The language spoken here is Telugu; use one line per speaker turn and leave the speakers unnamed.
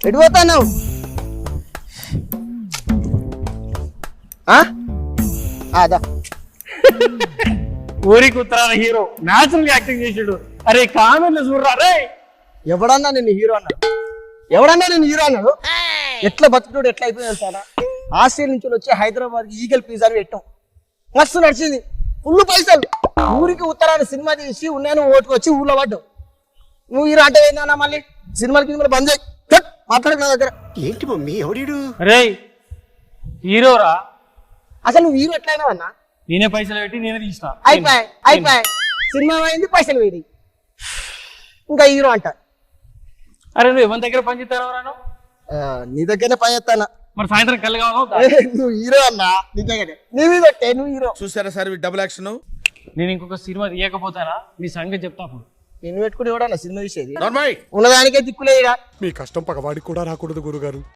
ఎటు పోతావు? అదా
ఊరికి ఉత్తరాల హీరో న్యాచురల్ యాక్టింగ్ చేసాడు. అరే కామెంట్లు చూడరా రే.
ఎవడన్నా నేను హీరో అన్నాడు? ఎవడన్నా నేను హీరో అన్నాడు? ఎట్లా బతుకుడు ఎట్లా అయిపోయింది సారా? ఆస్ట్రేలియా నుంచి వచ్చి హైదరాబాద్ ఈగల్ పిజ్జా పెట్టాం, మస్తు నడిచింది, ఫుల్ పైసలు. ఊరికి ఉత్తరాన సినిమా తీసి ఉన్నాను ఓటుకు వచ్చి ఊళ్ళో పడ్డావు. నువ్వు హీరో అంటే ఏందన్నా? మళ్ళీ సినిమాలకి బంద్ చేయి, మాట్లాడక నా దగ్గర.
ఏంటి మమ్మీ ఎవడీడు?
రే హీరోరా,
అసలు నువ్వు హీరో ఎట్లయినా అన్నా?
నేనే పైసలు పెట్టి నేనే తీసిన.
అయిపోయి సినిమా అయింది, పైసలు వేడి, ఇంకా హీరో అంట.
అరే నువ్వు ఎవరి దగ్గర పని చేస్తాను?
నీ దగ్గరనే పని చేస్తానా?
మరి సాయంత్రం కళ్ళు కావాలి.
నువ్వు హీరో అన్నా, నిజంగానే నీ మీద పెట్టే, నువ్వు హీరో.
చూసారా సార్ డబుల్ యాక్షన్?
నేను ఇంకొక సినిమా తీయకపోతానా మీ సంగతి చెప్తా.
నిన్ను పెట్టుకుని ఎవడన్నా సినిమా తీసేది?
నార్మల్
ఉన్నదానికే దిక్కులేదుగా.
మీ కష్టం పగవాడికి కూడా రాకూడదు గురుగారు.